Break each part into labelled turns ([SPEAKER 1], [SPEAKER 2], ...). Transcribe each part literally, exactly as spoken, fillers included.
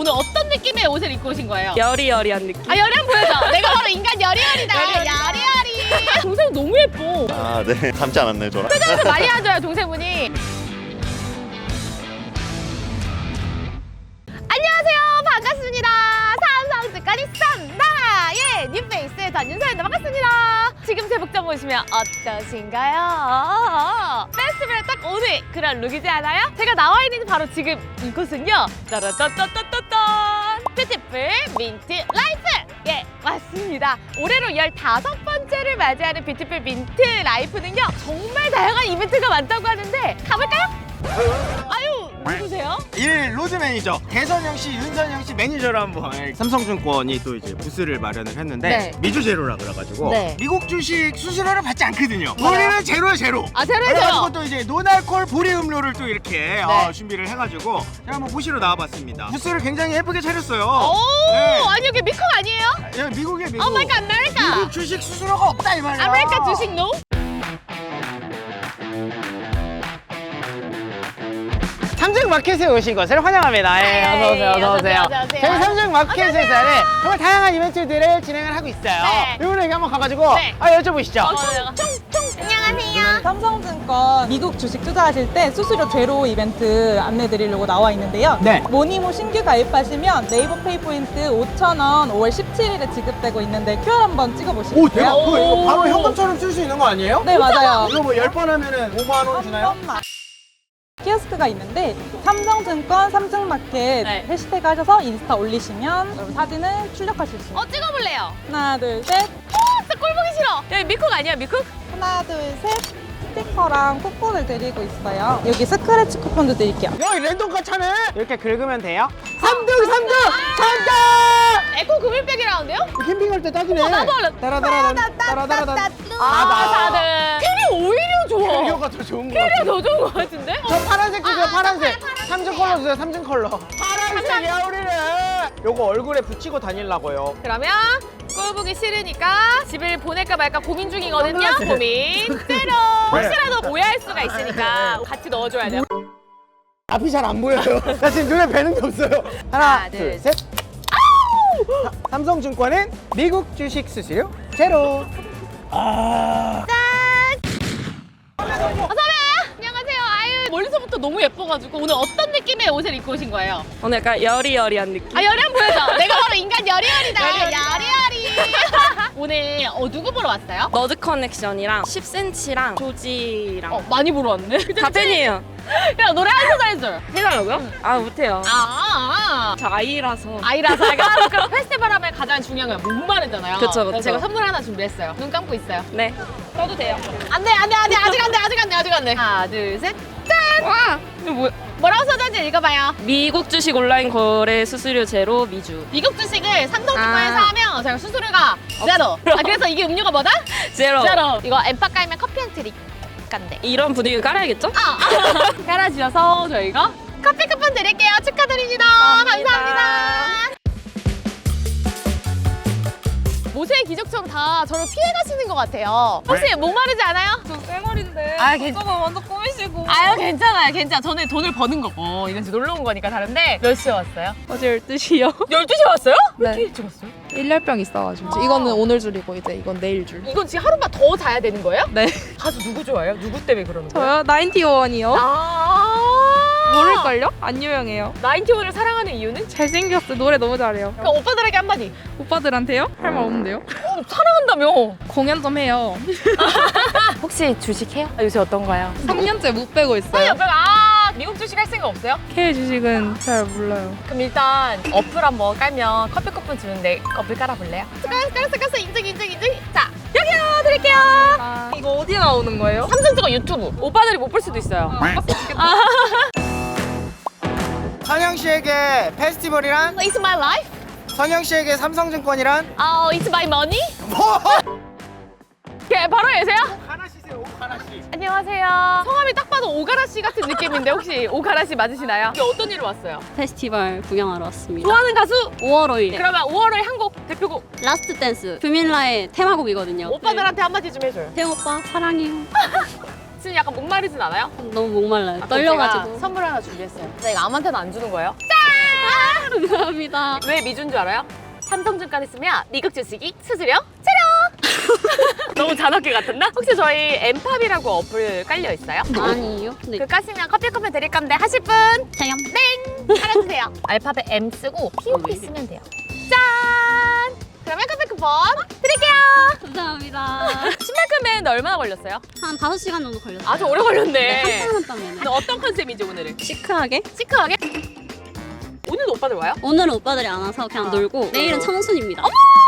[SPEAKER 1] 오늘 어떤 느낌의 옷을 입고 오신 거예요?
[SPEAKER 2] 여리여리한 느낌.
[SPEAKER 1] 아 여리한 보여줘. 내가 바로 인간 여리여리다. 여리여리. 동생 너무 예뻐.
[SPEAKER 3] 아, 네. 닮지 않았네, 저랑.
[SPEAKER 1] 표정에서 많이 하줘요, 동생분이. 안녕하세요, 반갑습니다. 삼성특가리 썸나의 뉴페이스 전윤서입니다. 반갑습니다. 지금 제 복장 보시면 어떠신가요? 페스티벌에 딱 오늘 그런 룩이지 않아요? 제가 나와 있는 바로 지금 이곳은요, 따라따따따따딴 뷰티풀 민트 라이프! 예, 맞습니다. 올해로 열다섯 번째를 맞이하는 뷰티풀 민트 라이프는요, 정말 다양한 이벤트가 많다고 하는데 가볼까요? 아유, 누구세요?
[SPEAKER 4] 일 로드 매니저 대선영 씨, 윤선영 씨 매니저로 한번 삼성증권이 또 이제 부스를 마련을 했는데
[SPEAKER 1] 네.
[SPEAKER 4] 미주 제로라 그래가지고
[SPEAKER 1] 네.
[SPEAKER 4] 미국 주식 수수료를 받지 않거든요.
[SPEAKER 1] 맞아요.
[SPEAKER 4] 우리는 제로야 제로.
[SPEAKER 1] 아, 제로예요?
[SPEAKER 4] 그래가지고 또 이제 노알콜 보리 음료를 또 이렇게
[SPEAKER 1] 네.
[SPEAKER 4] 어, 준비를 해가지고 제가 한번 보시러 나와봤습니다. 부스를 굉장히 예쁘게 차렸어요.
[SPEAKER 1] 오,
[SPEAKER 4] 네.
[SPEAKER 1] 아니 여기 미국 아니에요?
[SPEAKER 4] 야, 미국에 미국.
[SPEAKER 1] 오 마이 갓, 아메리카.
[SPEAKER 4] 미국 주식 수수료가 없다 이 말이야.
[SPEAKER 1] 아메리카 주식 노?
[SPEAKER 4] 삼성마켓에 오신 것을 환영합니다. 예,
[SPEAKER 1] 네,
[SPEAKER 4] 어서 오세요, 어서 오세요.
[SPEAKER 1] 안녕하세요.
[SPEAKER 4] 저희 삼성마켓에서는 정말 다양한 이벤트들을 진행을 하고 있어요.
[SPEAKER 1] 네.
[SPEAKER 4] 이번에 여기 한번 가가지고
[SPEAKER 1] 네.
[SPEAKER 4] 아, 여쭤보시죠.
[SPEAKER 1] 어, 총총 안녕하세요.
[SPEAKER 5] 삼성증권 미국 주식 투자하실 때 수수료 제로 이벤트 안내드리려고 나와 있는데요.
[SPEAKER 4] 네.
[SPEAKER 5] 모니모 신규 가입하시면 네이버 페이 포인트 오천 원 오월 십칠일에 지급되고 있는데 큐알 한번 찍어보시겠어요?
[SPEAKER 4] 오, 대박. 그거 이거
[SPEAKER 1] 오.
[SPEAKER 4] 바로 현금처럼 쓸 수 있는 거 아니에요?
[SPEAKER 5] 네, 맞아요.
[SPEAKER 4] 이거 뭐 열 번 하면은 오만 원
[SPEAKER 5] 한
[SPEAKER 4] 주나요?
[SPEAKER 5] 번만. 키오스크가 있는데 삼성증권 삼성마켓
[SPEAKER 1] 네.
[SPEAKER 5] 해시태그 하셔서 인스타 올리시면 여러분 사진을 출력하실 수 있어요.
[SPEAKER 1] 어, 찍어볼래요.
[SPEAKER 5] 하나, 둘, 셋.
[SPEAKER 1] 어, 진짜 꼴 보기 싫어. 여기 미국 아니야, 미국?
[SPEAKER 5] 하나, 둘, 셋. 스티커랑 쿠폰을 드리고 있어요. 여기 스크래치 쿠폰도 드릴게요.
[SPEAKER 4] 야, 이 랜덤카 차네. 이렇게 긁으면 돼요. 삼 등, 삼 등, 삼 등.
[SPEAKER 1] 에코 금일백이라는데요?
[SPEAKER 4] 캠핑할 때 딱이네.
[SPEAKER 1] 어, 나도 알아.
[SPEAKER 4] 따라따라따, 따라따라따.
[SPEAKER 1] 아, 사등. 캐리 오히려 좋아.
[SPEAKER 4] 캐리어가 더 좋은 거
[SPEAKER 1] 캐리어
[SPEAKER 4] 같아.
[SPEAKER 1] 더 좋은 것 같은데?
[SPEAKER 4] 저 파란색 주세요,
[SPEAKER 1] 아,
[SPEAKER 4] 파란색.
[SPEAKER 1] 파란색.
[SPEAKER 4] 삼중 컬러 주세요, 삼중 컬러. 파란색이야, 우리는. 요거 얼굴에 붙이고 다니려고요.
[SPEAKER 1] 그러면 꼴 보기 싫으니까 집을 보낼까 말까 고민 중이거든요.
[SPEAKER 4] 선글라스.
[SPEAKER 1] 고민 제로. 혹시라도 오해할 수가 있으니까 같이 넣어줘야 돼요.
[SPEAKER 4] 앞이 잘 안 보여요. 나 지금 눈에 뵈는 게 없어요. 하나,
[SPEAKER 1] 하나, 둘,
[SPEAKER 4] 둘, 셋. 사- 삼성증권은 미국 주식 수수료 제로. 아.
[SPEAKER 1] 어서오세요. 안녕하세요. 아유, 멀리서부터 너무 예뻐가지고 오늘 어떤 느낌의 옷을 입고 오신 거예요?
[SPEAKER 2] 오늘 약간 여리여리한 느낌.
[SPEAKER 1] 아, 여리한 보여줘. 내가 바로 인간 여리여리다. 여리여리. 오늘 어, 누구 보러 왔어요?
[SPEAKER 2] 너드 커넥션이랑 십 센치랑 조지랑
[SPEAKER 1] 어, 많이 보러 왔네.
[SPEAKER 2] 다 팬이에요.
[SPEAKER 1] 그냥 노래 한 소절 해줘요.
[SPEAKER 2] 해달라고요? 아 못해요.
[SPEAKER 1] 아, 아,
[SPEAKER 2] 저 아이라서.
[SPEAKER 1] 아. 아이라서 약간 그럼 페스티벌 하면 가장 중요한 건 목마르잖아요.
[SPEAKER 2] 그쵸, 그쵸.
[SPEAKER 1] 그래서 제가 선물 하나 준비했어요. 눈 감고 있어요.
[SPEAKER 2] 네. 써도 돼요.
[SPEAKER 1] 안 돼, 안 돼, 안 돼. 아직 안 돼, 아직 안 돼, 아직 안 돼. 하나, 둘, 셋. 짠!
[SPEAKER 2] 와 이거 뭐?
[SPEAKER 1] 뭐라고 써졌는지 읽어봐요.
[SPEAKER 2] 미국 주식 온라인 거래 수수료 제로 미주.
[SPEAKER 1] 미국 주식을 삼성증권에서
[SPEAKER 2] 아.
[SPEAKER 1] 하면 제가 수수료가 제로. 아, 그래서 이게 음료가 뭐다?
[SPEAKER 2] 제로.
[SPEAKER 1] 제로. 이거 엠파 깔면 커피 한 트릭 간대.
[SPEAKER 2] 이런 분위기 깔아야겠죠?
[SPEAKER 1] 아, 깔아주셔서 저희가 커피 쿠폰 드릴게요. 축하드립니다.
[SPEAKER 2] 감사합니다.
[SPEAKER 1] 감사합니다. 모세의 기적처럼 다 저를 피해 가시는 것 같아요. 혹시 목마르지 않아요?
[SPEAKER 5] 저 쌩얼인데
[SPEAKER 1] 아, 괜-
[SPEAKER 5] 저거 먼저 꾸미시고.
[SPEAKER 1] 아유, 괜찮아요. 괜찮아. 저는 돈을 버는 거고. 이건 지금 놀러 온 거니까 다른데. 몇 시에 왔어요?
[SPEAKER 6] 어제 열두 시요.
[SPEAKER 1] 열두 시에 왔어요? 왜
[SPEAKER 6] 네.
[SPEAKER 1] 이렇게 일찍 왔어요?
[SPEAKER 6] 일렬병 있어가지고 이거는 오늘 줄이고 이제 이건 내일 줄.
[SPEAKER 1] 이건 지금 하루만 더 자야 되는 거예요?
[SPEAKER 6] 네.
[SPEAKER 1] 가수 누구 좋아해요? 누구 때문에 그러는 거예요?
[SPEAKER 6] 저요? 나인티원이요.
[SPEAKER 1] 아,
[SPEAKER 6] 모를걸요? 안 유명해요.
[SPEAKER 1] 나인티원을 사랑하는 이유는?
[SPEAKER 6] 잘생겼어. 노래 너무 잘해요.
[SPEAKER 1] 그럼 오빠들에게 한마디.
[SPEAKER 6] 오빠들한테요? 할 말 없는데요?
[SPEAKER 1] 어, 사랑한다며.
[SPEAKER 6] 공연 좀 해요.
[SPEAKER 1] 혹시 주식해요? 아, 요새 어떤가요?
[SPEAKER 6] 삼 년째 못 빼고 있어요.
[SPEAKER 1] 아, 미국 주식 할 생각 없어요?
[SPEAKER 6] K 주식은 잘 몰라요.
[SPEAKER 1] 그럼 일단 어플 한번 깔면 커피 쿠폰 주는데 어플 깔아볼래요? 깔았어, 깔았어, 깔았어. 인증, 인증, 인증. 자, 여기요. 드릴게요.
[SPEAKER 6] 아, 이거 어디에 나오는 거예요?
[SPEAKER 1] 삼성증권 유튜브. 오빠들이 못 볼 수도 있어요.
[SPEAKER 4] 선영 씨에게 페스티벌이란?
[SPEAKER 1] It's my life.
[SPEAKER 4] 선영 씨에게 삼성증권이란?
[SPEAKER 1] 어, it's my money.
[SPEAKER 4] 뭐?
[SPEAKER 1] 네, 바로 계세요?
[SPEAKER 4] 하나 씨세요, 하나 씨.
[SPEAKER 1] 안녕하세요. 성함이 딱 봐도 오가라 씨 같은 느낌인데 혹시 오가라 씨 맞으시나요? 이게 어떤 일로 왔어요?
[SPEAKER 7] 페스티벌 구경하러 왔습니다.
[SPEAKER 1] 좋아하는 가수?
[SPEAKER 7] 오월 오일
[SPEAKER 1] 그러면 오월호의 한 곡 대표곡
[SPEAKER 7] 라스트 댄스 규민라의 테마곡이거든요.
[SPEAKER 1] 오빠들한테 한마디 좀 해줘요.
[SPEAKER 7] 태영 오빠 사랑해요.
[SPEAKER 1] 지금 약간 목마르진 않아요?
[SPEAKER 7] 너무 목말라요.
[SPEAKER 1] 아, 그럼
[SPEAKER 7] 떨려가지고.
[SPEAKER 1] 제가 선물 하나 준비했어요. 근데 이거 아무한테나 안 주는 거예요? 짠!
[SPEAKER 7] 감사합니다.
[SPEAKER 1] 왜 미주인 줄 알아요? 삼성증권 쓰면 미국 주식이 수수료 제로! 너무 잔악기 같았나? 혹시 저희 엠팝이라고 어플 깔려 있어요?
[SPEAKER 7] 아니요. 네.
[SPEAKER 1] 그 까시면 커피 쿠폰 드릴 건데 하실 분?
[SPEAKER 7] 자염.
[SPEAKER 1] 땡! 깔아주세요. 알파벳 M 쓰고 피오피 쓰면 돼요. 짠! 그러면 커피 쿠폰 드릴게요.
[SPEAKER 7] 감사합니다.
[SPEAKER 1] 신발 구매했는데 얼마나 걸렸어요?
[SPEAKER 7] 한 다섯 시간 정도 걸렸어요.
[SPEAKER 1] 아주 오래 걸렸네.
[SPEAKER 7] 한땀 한땀이네.
[SPEAKER 1] 근데 어떤 컨셉이지 오늘은?
[SPEAKER 2] 시크하게?
[SPEAKER 1] 시크하게? 오늘도 오빠들 와요?
[SPEAKER 7] 오늘은 오빠들이 안 와서 그냥
[SPEAKER 1] 아.
[SPEAKER 7] 놀고 내일은 청순입니다.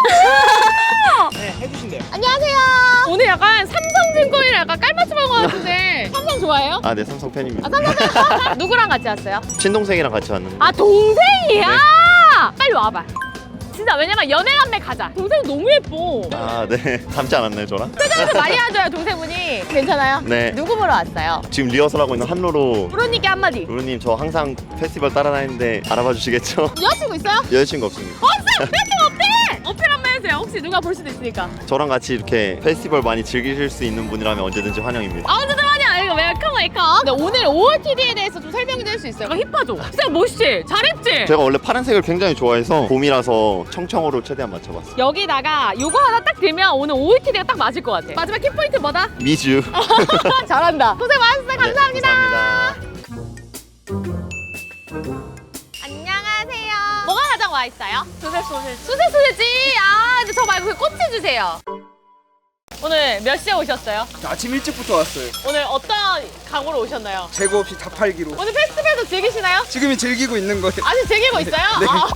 [SPEAKER 4] 네, 해주신대요.
[SPEAKER 1] 안녕하세요. 오늘 약간 삼성증권이랑 약간 깔맞춤한 것 같은데 삼성 좋아해요?
[SPEAKER 3] 아, 네, 삼성 팬입니다.
[SPEAKER 1] 아, 삼성 누구랑 같이 왔어요?
[SPEAKER 3] 친동생이랑 같이 왔는데.
[SPEAKER 1] 아 동생이야? 빨리 와봐. 진짜 왜냐면 연애남매 가자. 동생 너무 예뻐.
[SPEAKER 3] 아, 네. 닮지 않았나요, 저랑?
[SPEAKER 1] 표정도 많이 하줘요 동생분이. 괜찮아요?
[SPEAKER 3] 네.
[SPEAKER 1] 누구 보러 왔어요?
[SPEAKER 3] 지금 리허설하고 있는 한로로.
[SPEAKER 1] 프로님께 한마디.
[SPEAKER 3] 루루님, 저 항상 페스티벌 따라다니는데 알아봐 주시겠죠?
[SPEAKER 1] 여자친구 있어요?
[SPEAKER 3] 여자친구 없습니다.
[SPEAKER 1] 없어! 여자친구 없대! 어필 한번 해주세요. 혹시 누가 볼 수도 있으니까.
[SPEAKER 3] 저랑 같이 이렇게 페스티벌 많이 즐기실 수 있는 분이라면 언제든지 환영입니다.
[SPEAKER 1] 아 언제든 하냐? 이거 웰컴 웰컴. 근데 오늘 오오티디에 대해서 좀 설명해 줄 수 있어요? 이거 힙하죠? 진짜 멋있지? 잘했지?
[SPEAKER 3] 제가 원래 파란색을 굉장히 좋아해서 봄이라서 청청으로 최대한 맞춰봤어요.
[SPEAKER 1] 여기다가 요거 하나 딱 들면 오늘 오오티디가 딱 맞을 것 같아. 마지막 키포인트 뭐다?
[SPEAKER 3] 미주.
[SPEAKER 1] 잘한다. 고생 많았어요. 감사합니다.
[SPEAKER 3] 네, 감사합니다.
[SPEAKER 1] 안녕하세요. 뭐가 가장 와 있어요?
[SPEAKER 2] 수세 소세지.
[SPEAKER 1] 수세 소세지. 아, 근데 저 말고 그 꼬치 주세요. 오늘 몇 시에 오셨어요?
[SPEAKER 8] 아침 일찍부터 왔어요.
[SPEAKER 1] 오늘 어떤 각오로 오셨나요?
[SPEAKER 8] 재고 없이 다 팔기로.
[SPEAKER 1] 오늘 페스티벌도 즐기시나요?
[SPEAKER 8] 지금이 즐기고 있는 거예요.
[SPEAKER 1] 아직 즐기고 있어요?
[SPEAKER 8] 네.
[SPEAKER 1] 아.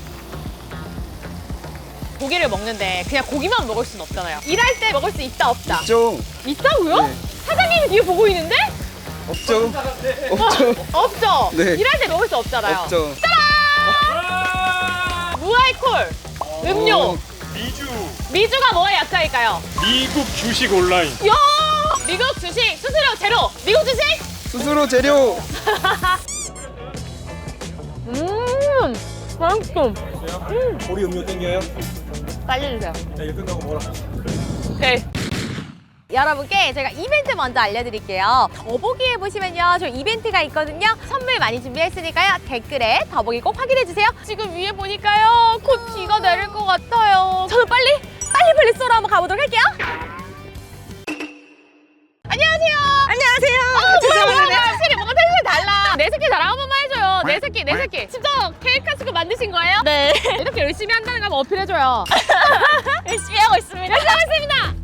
[SPEAKER 1] 고기를 먹는데 그냥 고기만 먹을 순 없잖아요. 일할 때 먹을 수 있다 없다.
[SPEAKER 8] 없죠?
[SPEAKER 1] 있다고요?
[SPEAKER 8] 네.
[SPEAKER 1] 사장님이 뒤에 보고 있는데?
[SPEAKER 8] 없죠? 없죠?
[SPEAKER 1] 없죠?
[SPEAKER 8] 네.
[SPEAKER 1] 일할 때 먹을 수 없잖아요.
[SPEAKER 8] 없죠?
[SPEAKER 1] 무알콜 음료.
[SPEAKER 8] 오.
[SPEAKER 9] 미주
[SPEAKER 1] 미주가 뭐의 약자일까요?
[SPEAKER 9] 미국 주식 온라인.
[SPEAKER 1] 야! 미국 주식 수수료 제로. 미국 주식?
[SPEAKER 8] 스스로 재료.
[SPEAKER 1] 음, 맛있어.
[SPEAKER 9] 보리 음료 땡겨요?
[SPEAKER 1] 빨리 주세요.
[SPEAKER 9] 자, 이거 끝나고 뭐라?
[SPEAKER 1] 네. 여러분께 제가 이벤트 먼저 알려드릴게요. 더보기에 보시면요, 저 이벤트가 있거든요. 선물 많이 준비했으니까요. 댓글에 더보기 꼭 확인해주세요. 지금 위에 보니까요, 곧 비가 내릴 것 같아요. 저는 빨리, 빨리 빨리 쏘러 한번 가보도록 할게요. 안녕하세요. 안녕하세요. 어, 뭐야, 뭐야, 뭐야. 확실히 뭔가 텐션이 달라. 내 새끼 자랑 한 번만 해줘요. 내 새끼, 내 새끼. 직접 케이크 카스크 만드신 거예요?
[SPEAKER 2] 네.
[SPEAKER 1] 이렇게 열심히 한다는 거 한번 어필해줘요.
[SPEAKER 2] 열심히 하고 있습니다.
[SPEAKER 1] 열심히 하겠습니다.